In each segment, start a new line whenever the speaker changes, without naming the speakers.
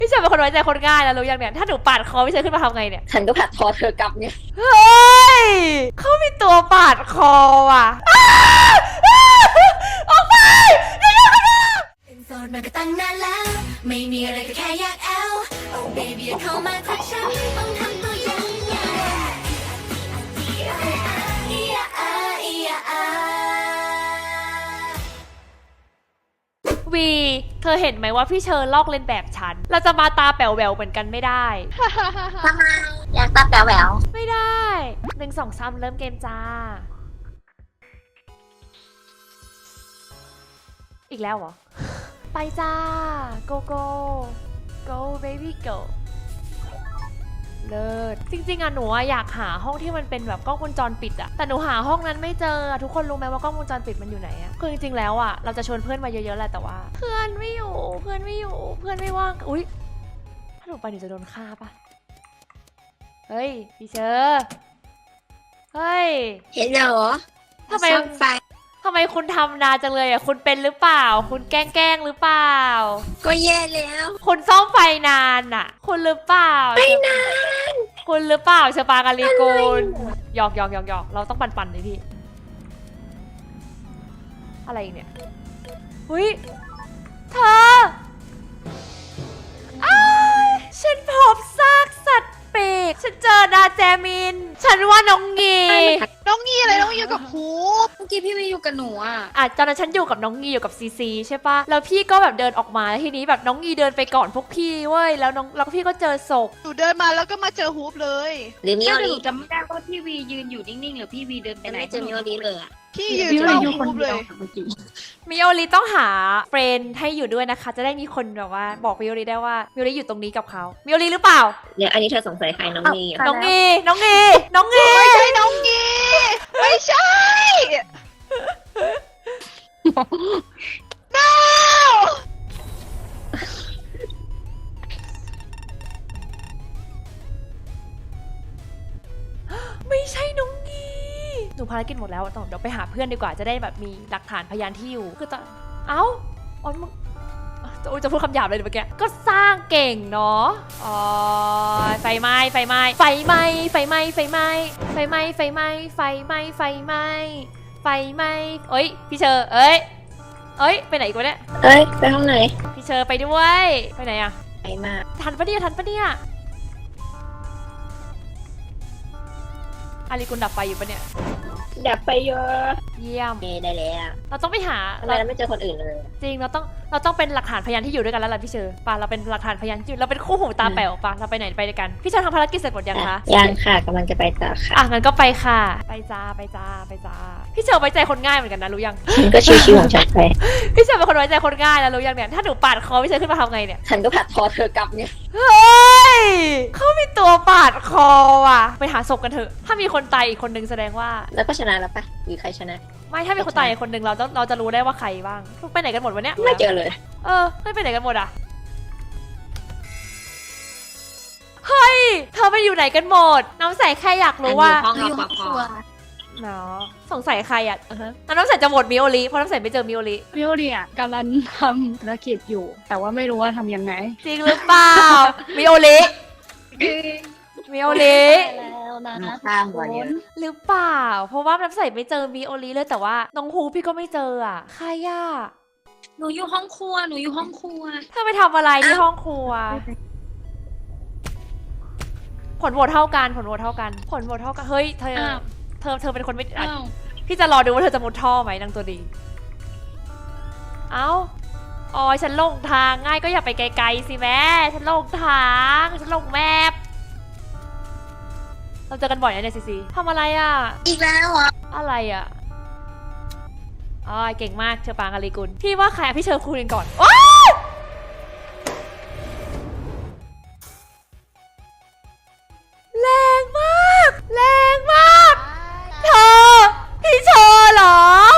พี่เชอร์เป็นคนไว้ใจคนง่ายแล้วรู้ยังเนี่ยถ้าหนูปาดคอพี่เชอร์ขึ้นมาทำไงเนี่ย
ฉันก็ผัดคอเธอกลับเนี่ย
เฮ้ยเขามีตัวปาดคอว่ะออกไป
เป็นโสดมาก็ตั้งนานแล้วไม่มีอะไรก็แค่อยากแอล Oh baby อย่าเข้ามาทักฉันต้องทำตัวยังไง
วีเธอเห็นไหมว่าพี่เชอร์ลอกเลียนแบบฉันเราจะมาตาแป๋วแหววเหมือนกันไม่ได้
ทำไมอยากตาแป๋วแหวว
ไม่ได้1 2 3เริ่มเกมจ้าอีกแล้วเหรอไปจ้า go go go baby go เลิศจริงๆอะหนูอยากหาห้องที่มันเป็นแบบกล้องวงจรปิดอะแต่หนูหาห้องนั้นไม่เจอทุกคนรู้ไหมว่ากล้องวงจรปิดมันอยู่ไหนอะคือจริงๆแล้วอะเราจะชวนเพื่อนมาเยอะๆแหละแต่ว่าเพื่อนไม่อยู่เพื่อนไม่อยู่เพื่อนไม่ว่างอุ๊ยถ้าหนูไปหนูจะโดนฆ่าปะเฮ้ยพี่เชอร์เฮ้ย
เห็นเหรอ
ทำไม
ไฟ
ทำไมคุณทำนานจังเลยอะคุณเป็นหรือเปล่าคุณแกล้งหรือเปล่า
ก็แย่แล้ว
คุณซ่อมไฟนานอะคุณหรือเปล่า
ไม่นาน
คุณหรือเปล่าเชปากาลีกูลหยอกเราต้องปั่นเลยพี่อะไรอีกเนี่ยหุ้ยเธอฉันพบซากสัตว์ปีกฉันเจอนาแจมินฉันว่าน้องงี
อะไรน้องอยู่กับฮูป
เมื่อกี้พี่วีอยู่กับหนูอ่ะ
ตอนนั้นฉันอยู่กับน้องงีอยู่กับซีซีใช่ปะแล้วพี่ก็แบบเดินออกมาแล้วทีนี้แบบน้องงีเดินไปก่อนพวกพี่เว้ยแล้วพี่ก็เจอศพ
หนูเดินมาแล้วก็มาเจอฮูปเลย
หรือมิโอริ
จำไม่ได้ว่าพี่วียืนอยู่นิ่งๆหรือพี่วีเดินไปไหน
ไม่เจอมิโอริเลยอ่ะ
พี่ยืนอยู่ฮูปเลย
มิโอริต้องหาเฟรนด์ให้อยู่ด้วยนะคะจะได้มีคนแบบว่าบอกมิโอริได้ว่ามิโอริอยู่ตรงนี้กับเขามิโอริหรือเปล่า
เนี่ยอันนี้เธอสงสัยใครน้องงี
น้องงี
ไม่ใช่น้องงีไม่ใช่ no
ไม่ใช่น้องงีหนูภารกิจหมดแล้วต้องเดี๋ยวไปหาเพื่อนดีกว่าจะได้แบบมีหลักฐานพยานที่อยู่คือตอนเอ้าอ๋อมึงจะพูดคำหยาบเลยเมื่อกี้ก็สร้างเก่งเนาะอ๋อไฟไหม้เอ้ยพี่เชอร์เอ้ยไปไหนกูเนี่ย
ไปห้องไหน
พี่เชอร์ไปด้วยไปไหนอะ
ไปมา
ทันปะเนี่ยอาริกุลดับไฟอยู่ปะเนี่ย
ดับไปเยอะ
เยี่ยม
ได้แล้ว
เราต้องไปหา
เราไม่เจอคนอื่นเลย
จริงเราต้องเป็นหลักฐานพยานที่อยู่ด้วยกันแล้วล่ะพี่เชอร์ป่ะเราเป็นหลักฐานพยานที่อยู่เราเป็นคู่หูตาแป๋วป่ะเราไปไหนไปด้วยกันพี่เชอร์ทำภารกิจเสร็จหมดยังคะ
ยังค่ะกำลังจะไปต่อค่ะ
งั้นก็ไปค่ะไปจ้าพี่เชอร์ไว้ใจคนง่ายเหมือนกันนะรู้ยัง
ฉันก็ชิวๆของฉันไป
พี่เชอร์เป็นคนไว้ใจคนง่ายแล้วรู้ยังเนี่ยถ้าหนูปาดคอพี่เชอร์ขึ้นมาทำไงเนี่ย
ฉันก็ผัดคอเธอกลับเนี่ย
เฮ้ยเขามีตัวปาดคอว่ะไปหาศพกันเถอะถ้ามีคนตายอีกคนนึงแสดงว่า
แล้วก็ชนะแล้วปะหรือใครชนะ
ไม่ถ้ามีคนตายอีกคนนึงเราจะรู้ได้ว่าใครบ้างไปไหนกันหมดวะเนี่ย
ไม่เจอเลย
ไม่ไปไหนกันหมดอ่ะเฮ้ยเธอไปอยู่ไหนกันหมดน้ำใสแค่อยากรู้ว่า
อยู่ห้องครัว
เนาะสงสัยใครอ่ะน้ำใสจะโหวตมิโอริเพราะน้ำใสไม่เจอมิโอริ
อ่ะกำลังทำธุรกิจอยู่แต่ว่าไม่รู้ว่าทำยังไง
จริงหรือเปล่ามิโอริ
แล้วนะ
ข้างวันนี้
หรือเปล่าเพราะว่าน้ำใสไม่เจอมิโอริเลยแต่ว่าน้องฮูพี่ก็ไม่เจออ่ะใครอ่ะ
หนูอยู่ห้องครัว
เธอไปทำอะไรที่ห้องครัวผลโหวตเท่ากันเฮ้ยเธอเป็นคนไม่พี่จะรอดูว่าเธอจะมุดท่อไหมนางตัวดีอ๋อฉันลงทางง่ายก็อย่าไปไกลๆสิแม่ฉันลงทางฉันลงแมพเราเจอกันบ่อยนะเนี่ยซีทำอะไรอ่ะ
อีกแล้วเหรอ
อะไรอ่ะเก่งมากเชอปางอาลีกุลพี่ว่าใครพี่เชอร์คูณก่อนแรงมากเธอพี่เชอร์เหรอ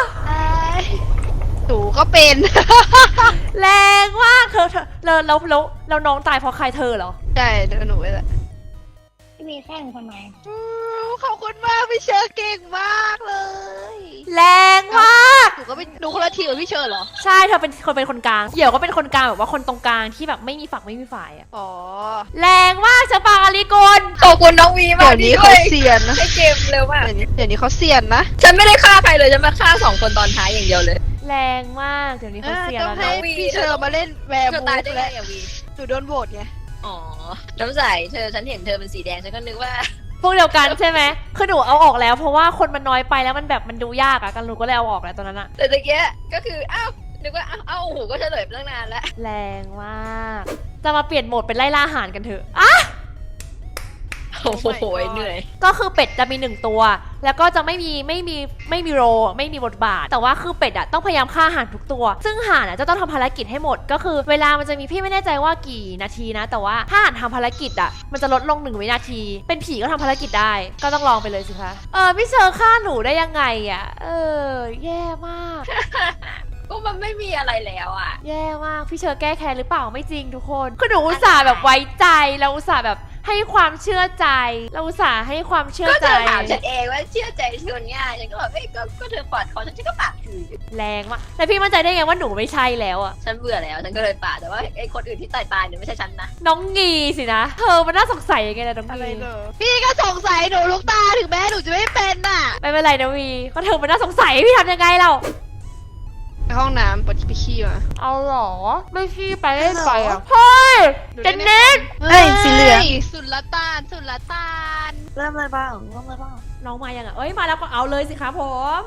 หนูก็เป็น
แรงมากเธอเราน้องตายเพราะใครเธอเหรอ
ใช่หนูไปแหละ
พี่มีแข่งทำไม
ขอบคุณมากพี่เชอร์เก่งมากเลย
แรงมาก
หนูก็ไม่หนูคนละทีมกับพี่เชอร์เหรอ
ใช่เธอเป็นคนกลางเหี่ยวก็เป็นคนกลางแบบว่าคนตรงกลางที่แบบไม่มีฝักไม่มีฝ่ายอะ
อ๋อ
แรงมากเชอปางอาริกล
ขอบคุณน้องวีมา
เดี๋
ก
ยวนี้
ที่
เขา
ช่วย
เซียนนะ
ให้เกมเร็วมาก
เดี๋ยวนี้เขาเซียนนะ
ฉันไม่ได้ฆ่าใครเลยฉันมาฆ่า2 คนตอนท้ายอย่างเดียวเลย
แรงมากเดี๋ยวนี้เขาเสีย
ต้
แล้
อ
ว
ง
นะ
ให้พี่เชอร์มาเล่นแวร์
เธอ
บู
ตาย
ฟ
ได้ไง
แล้ว
อะวี
หนูโดนโหวตไง
อ๋อน้ำใสฉันเห็นเธอเป็นสีแดงฉันก็นึกว่า
พวกเดียวกันใช่ไหมคือหนูเอาออกแล้วเพราะว่าคนมันน้อยไปแล้วมันแบบมันดูยากอะกันหนูก็เลยเอาออกแล้วตอนนั้นอะ
แต่ตะเกียก็คืออ้าวนึกว่าอ้าวโอ้โหก็เฉลยไปตั้งนานแล้ว
แรงมากจะมาเปลี่ยนโหมดเป็นไล่ล่าอาหารกันเถอะอ่ะ
โอ้โหเหนื่อย
ก็คือเป็ดจะมี1ตัว แล้วก็จะไม่มีโรไม่มีบทบาท แต่ว่าคือเป็ดอะต้องพยายามฆ่าห่านทุกตัว ซึ่งห่านอะจะต้องทำภารกิจให้หมด ก็คือเวลามันจะมีพี่ไม่แน่ใจว่ากี่นาทีนะ แต่ว่าถ้าห่านทำภารกิจอะมันจะลดลง1 วินาที เป็นผีก็ทำภารกิจได้ ก็ต้องลองไปเลยสิคะพี่เชอร์ฆ่าหนูได้ยังไงอะแย่มาก
ก็มันไม่มีอะไรแล้วอ่ะ
แย่มากพี่เชอร์แก้แค้นหรือเปล่าไม่จริงทุกคนคือหนูอุตส่าห์แบบไว้ใจเราอุตส่าห์แบบให้ความเชื่อใจ เราอุตส่าห์ให้ความเชื่อ
ก็
ใจ
เธอถามฉันเองว่าเชื่อใจชวนง่ายฉันก็แบบก็เธอปาดคอฉันก็ปาดคืน
แรงมากแต่พี่มั่นใจได้ไงว่าหนูไม่ใช่แล้วอะ
ฉันเบื่อแล้วฉันก็เลยปาดแต่ว่าไอ้คนอื่นที่ตายเนี่ยไม่ใช่ฉันนะ
น้องงีสินะเธอมันน่าสงสัยยังไงนะน้อง
อะไร
งี
เหรอพี่ก็สงสัยหนูลูกตาถึงแม้หนูจะไม่เป็นน่ะ
ไม่เป็นไรนะวีก็เธอมันน่าสงสัยพี่ทำยังไงเรา
ไปห้องน้ำปวดไปขี้มา
เอาหรอไม่ขี้ไปเล่นไปอ่ะเฮ้ยเจนนิส
เฮ้ยสีเหลืองสุลต่าน
เริ่มเลยบ้างเริ่มเลยบ้าง
น้องมายังอ่ะเอ้ยมาแล้วก็เอาเลยสิคะผม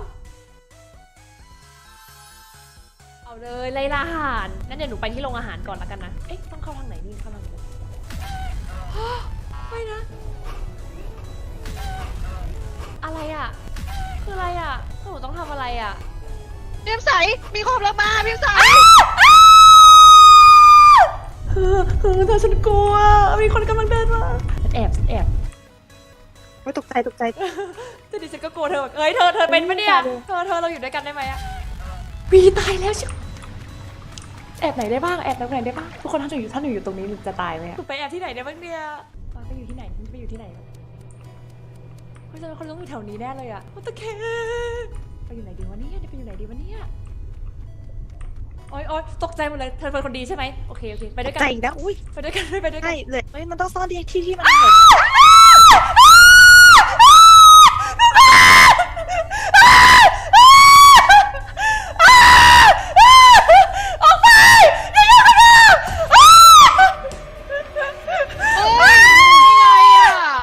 เอาเลยไล่ล่าอาหารงั้นเดี๋ยวหนูไปที่โรงอาหารก่อนละกันนะเอ๊ะต้องเข้าทางไหนนี่เข้าทางไหน ไม่นะอะไรอ่ะคืออะไรอ่ะหนูต้องทำอะไรอ่ะ
เพียมใสมีความรักมาเพียมใส
เธอฉันกลัวมีคนกำลังเดินมาแอบ
ไม่ตกใจ
แต่ดิฉันก็กลัวเธอเอ้ยเธอเป็นปะเนี่ยเธอเราอยู่ด้วยกันได้ไหมอะวีตายแล้วชิแอบไหนได้บ้างแอบตรงไหนได้บ้างทุกคนถ้าหนูอยู่ตรงนี้หนูจะตายไหมอะไปแอบที่ไหนได้บ้างเนี่ยไปอยู่ที่ไหนไปอยู่ที่ไหนคุณจะคนต้องอยู่แถวนี้แน่เลยอะตะเคไปอยู่ไหนดีวะเนี่ยไปอยู่ไหนดีวะเนี่ยโอ๊ยตกใจหมดเลยเธอเป็นคนดีใช่ไหมโอเคไปด้วยกัน
ใจอีกแล้วอุ้ย
ไปด้วยกันไปด้วยกัน
ใช่เลยเฮ้ยมันต้องซ่อนที่มันแบบ
ออกไป
โอ้ยยังไงอะ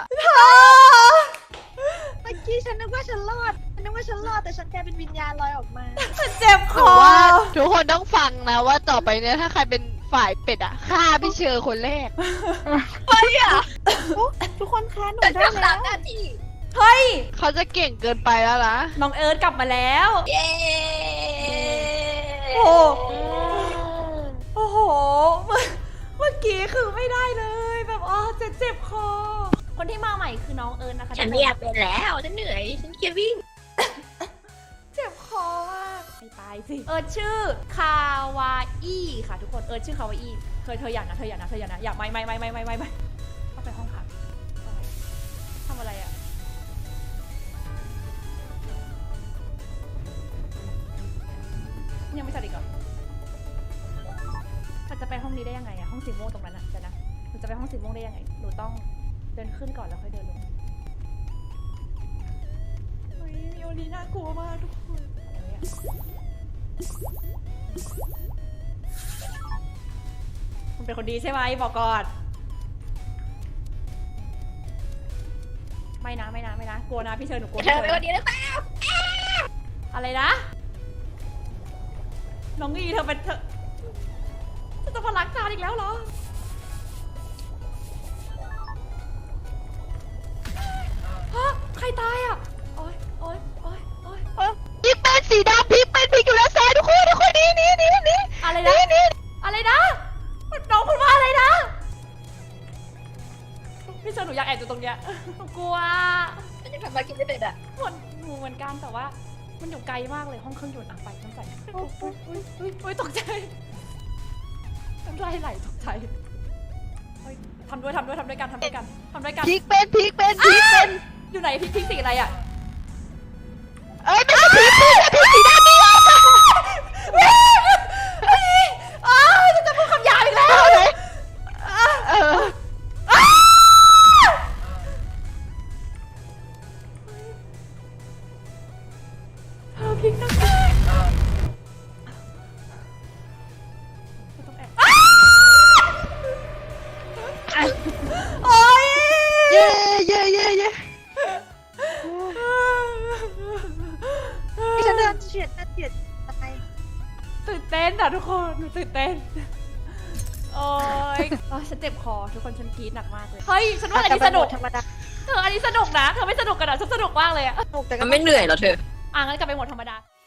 เมื่อกี้ฉันนึกว่าฉันรอดแต่ฉันกลายเป็นวิญญาณลอยออกมา
เจ็บค
ถื
อ
อว่าทุกคนต้องฟังนะว่าต่อไปเนี่ยถ้าใครเป็นฝ่ายเป็ดอะฆ่าพี่เชอร์คนแรก
เฮ้ยอ่ะ
ทุกคนคะหนู
แต่
ได้
ทำ
แล้
ตาม
ว
หน้าที่
เฮ้ย
เขาจะเก่งเกินไปแล้วนะ
น้องเอิร์ธกลับมาแล้ว
เย้
โอ้ โอ้โห เมื่อกี้คือไม่ได้เลยแบบเจ็บคอ คนที่มาใหม่คือน้องเอิร์ธนะคะ
ฉันไม่อยากเป็นแล้วฉันเหนื่อยฉันเกียวิ่ง
เจ็บคอมากไม่ตายสิ เอิร์ธชื่อคาวาอี้ค่ะทุกคน เอิร์ธชื่อคาวาอี้เธออยากนะอยากไม่เข้าไปห้องพักทำอะไรอะยังไม่จัดอีกเหรอมันจะไปห้องนี้ได้ยังไงอะห้องสีม่วงตรงนั้นอะเดี๋ยวนะหนูจะไปห้องสีม่วงได้ยังไงหนูต้องเดินขึ้นก่อนแล้วค่อยเดินลงเฮ้ยมิโอลีน่ากลัวมากทุกคนอะไรเนี่ยคุณเป็นคนดีใช่ไหมบอกก่อนไม่นะกลัวนะพี่เชิญหนูกลัว
เธอเป็นคนดีหรือเปล่า
อะไรนะน้องอีเธอจะมารักจานอีกแล้วเหรอฮะใครตายอ่ะโอ๊ย
พี่เป็นสีดำพี่เป็นพี่อยู่แล้วซ้ายทุกคนนี่
อะไรนะอะไรนะน้องพูดว่าอะไรนะพี่เชิญหนูอยากแอบอยู่ตรงเนี้ยหนูกลัว
ฉันยังทำมากินไม่เป็นอ่ะ
เหมือนกันแต่ว่ามันอยู่ไกลมากเลยห้องเครื่องยนต์ไปน้ำใสอุ้ยตกใจน้ำลายไหลตกใจทำด้วยกันทำด้วยกัน
พลิกเป็น
อยู่ไหนพริกสีอะไรอ่ะ
เอ้ยไม่ใช่พลิกสีดำนี่
ฉันจะพูดคำหยาบอีกแล้ว
เออ
เธอพริกนักแรกต้องแอบโอ๊ย
เย้
ที่ฉันเดินเฉียดอะไร
ตื่นเต้นอ่ะทุกคนหนูตื่นเต้นโอ๊ยฉันเจ็บคอทุกคนฉันกรี๊ดหนักมากเลยเฮ้ยฉันว่าอันนี้สนุก
ธรรมดา
อันนี้สนุกนะเธอไม่สนุกกันเหรอฉันสนุกมากเลยอะ
สนุกแต่ก็
มันไม่เหนื่อยเหรอเธอ
งั้นกลับไปหมดธรรมดา